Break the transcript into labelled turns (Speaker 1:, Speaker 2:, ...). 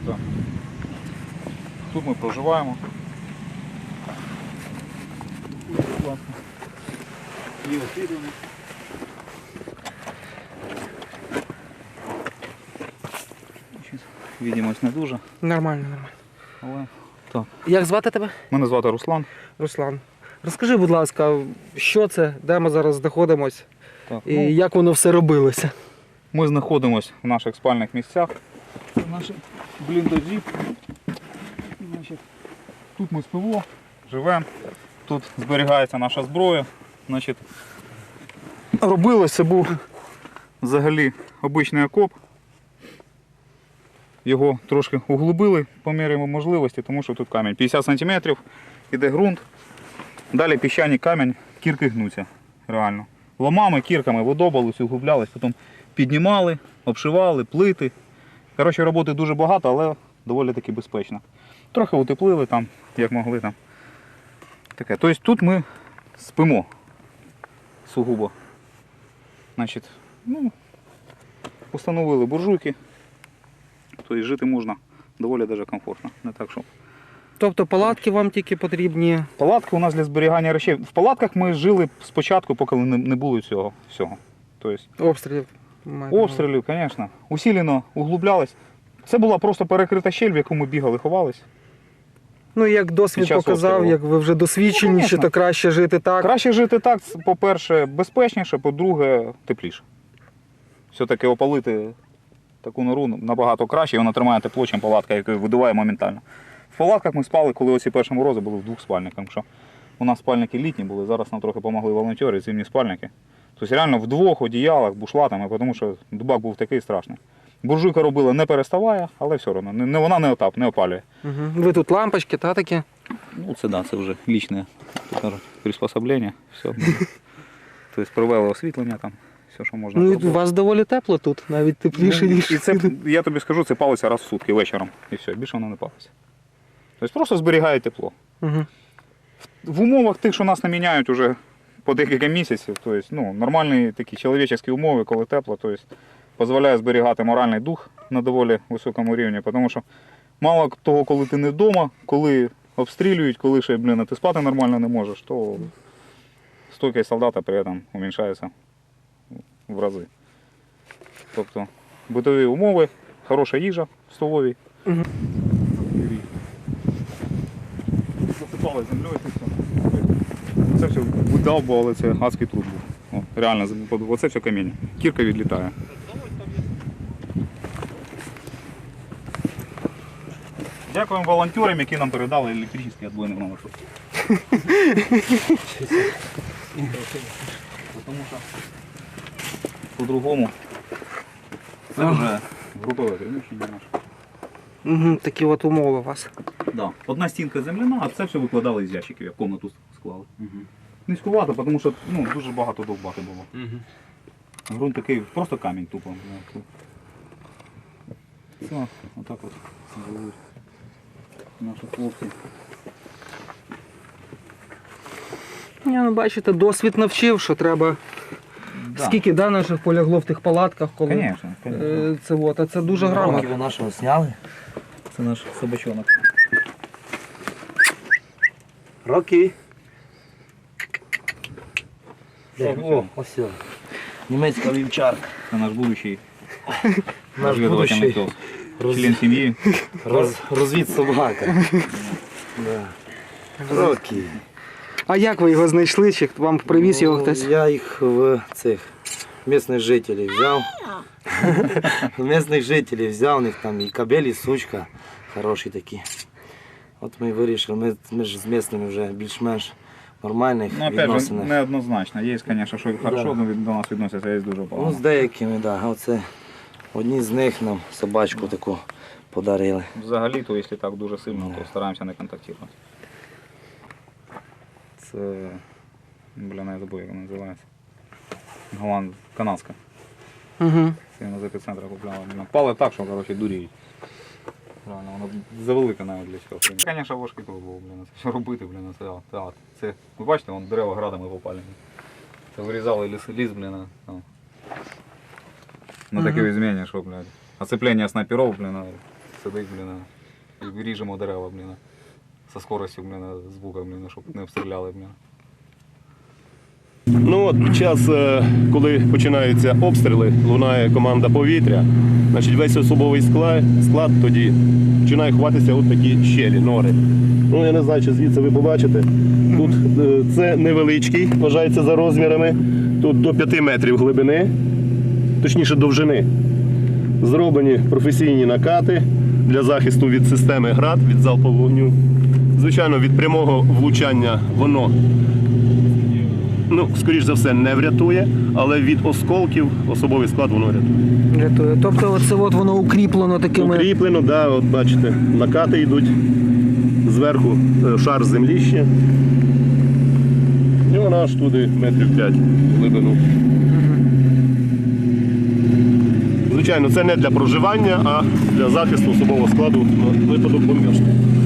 Speaker 1: Так. Тут ми проживаємо. Є освітлення. Відімось не дуже.
Speaker 2: Нормально, нормально.
Speaker 1: Але так.
Speaker 2: Як звати тебе?
Speaker 1: Мене звати Руслан.
Speaker 2: Руслан. Розкажи, будь ласка, що це, де ми зараз знаходимося
Speaker 1: Так,
Speaker 2: і як воно все робилося?
Speaker 1: ми знаходимося в наших спальних місцях. Це наші бліндажі. Значить, тут ми спимо, живемо, тут зберігається наша зброя. Значить, робилося, був взагалі обичний окоп. Його трошки углубили по мірі можливості, тому що тут камінь 50 см, іде ґрунт. Далі піщаний камінь, кірки гнуться, реально. Ломами, кірками видобались, углублялись, потім піднімали, обшивали, плити. Коротше, роботи дуже багато, але доволі таки безпечно. Трохи утеплили там, як могли там. Таке. Тобто тут ми спимо сугубо. Значить, установили буржуйки. Тобто жити можна доволі даже комфортно. Не так, що.
Speaker 2: Тобто палатки вам тільки потрібні?
Speaker 1: Палатки у нас для зберігання речей. В палатках ми жили спочатку, поки не було цього всього. Тобто,
Speaker 2: Обстрілів?
Speaker 1: обстрілів, звісно. Усилено углублялись. Це була просто перекрита щель, в яку ми бігали, ховались.
Speaker 2: Ну, як досвід показав,
Speaker 1: обстрілу.
Speaker 2: як ви вже досвідченіші, то краще жити так.
Speaker 1: Краще жити так, по-перше, безпечніше, по-друге, тепліше. Все-таки опалити таку нору набагато краще, і вона тримає тепло, ніж палатка, яка видуває моментально. В палатках ми спали, коли оці перші морози були в двох спальниках. Що у нас спальники літні були, зараз нам трохи допомогли волонтери, зимні спальники. Тобто реально в двох одіялах, бушлатами, тому що дубак був такий страшний. Буржуйка робила не переставає, але все одно. Вона не опалює.
Speaker 2: Угу. Ви тут лампочки, та такі?
Speaker 1: Ну це да, це вже лічне приспособлення. Все. Тобто провели освітлення там, все, що можна.
Speaker 2: Ну і у вас доволі тепло тут, навіть тепліше, ніж.
Speaker 1: І це, я тобі скажу, це палиться раз в сутки вечором. І все, більше воно не палиться. Тобто просто зберігає тепло.
Speaker 2: Угу.
Speaker 1: В умовах тих, що нас не міняють уже по декілька місяців, тобто, нормальні такі чоловічі умови, коли тепло, тобто, дозволяє зберігати моральний дух на доволі високому рівні, тому що мало того, коли ти не вдома, коли обстрілюють, коли ще, ти спати нормально не можеш, то стойкість солдата при цьому уменьшається в рази. Тобто битові умови, хороша їжа в столовій.
Speaker 2: Угу.
Speaker 1: Засипали землею і все. Це все видавбували, це адський труд був. Реально, оце все каміння. Кірка відлітає. Дякуємо волонтерам, які нам передали електричний відбойний номер. Тому що по-другому це вже групове приміщення наше.
Speaker 2: Угу, такі от умови у вас.
Speaker 1: Да. Одна стінка земляна, а це все викладали із ящиків, як комнату склали. Низькувато, тому що дуже багато довбати було. Грунт такий, просто камінь тупо. Все, отак от живуть наші хлопці.
Speaker 2: Бачите, досвід навчив, що треба.
Speaker 1: Да.
Speaker 2: Скільки наших полягло в тих палатках, коли
Speaker 1: Конечно.
Speaker 2: це от, а це дуже грамотно.
Speaker 3: Ви нашого зняли?
Speaker 1: Це наш собачонок.
Speaker 3: Роки. О, ось він. Німецька вівчарка.
Speaker 1: Це наш будущий
Speaker 3: Наш
Speaker 1: розвідувальний
Speaker 3: будущий
Speaker 1: пес. Член сім'ї.
Speaker 3: розвід собака. Роки.
Speaker 2: А як ви його знайшли? Чи вам привіз його хтось?
Speaker 3: Я їх в цих місцевих жителів взяв. Місцевих жителів взяв, у них там і кобель, і сучка хороші такі. От ми вирішили, ми ж з місцевими вже більш-менш нормальних
Speaker 1: Ну, опять же,
Speaker 3: відносинах.
Speaker 1: неоднозначно. Є, звісно, що хорошо до нас відносяться, а є дуже
Speaker 3: Ну,
Speaker 1: погано.
Speaker 3: з деякими, так. Да. Оце одні з них нам собачку таку подарили.
Speaker 1: Взагалі, то якщо так дуже сильно, то стараємося не контактувати. Це, я забув, як вона називається. Канадська.
Speaker 2: Угу.
Speaker 1: Це вона з епіцентра купляла. Пали так, що, дуріють. Реально, воно завелике навіть для цього. Звісно, важкий труд був, це все робити, це, ви бачите, вон дерева градами попалені. Це вирізали ліс, на таке зміни, що, Оцеплення снайперів, сидить, і ріжемо дерева, зі скоростю, з бука, щоб не обстріляли,
Speaker 4: Ну от під час, коли починаються обстріли, лунає команда повітря, значить весь особовий склад тоді починає ховатися от такі щелі, нори. Ну я не знаю, чи звідси ви побачите. Тут це невеличкий, вважається за розмірами. Тут до 5 метрів глибини, точніше довжини. Зроблені професійні накати для захисту від системи ГРАД, від залпового вогню. Звичайно, від прямого влучання воно, скоріш за все, не врятує, але від осколків особовий склад воно рятує.
Speaker 2: Рятує. Тобто оце от воно укріплено такими.
Speaker 4: Укріплено, да, от бачите, накати йдуть, зверху шар землі ще. І вона аж туди метрів 5 глибину. Звичайно, це не для проживання, а для захисту особового складу на випадок бомбіжки.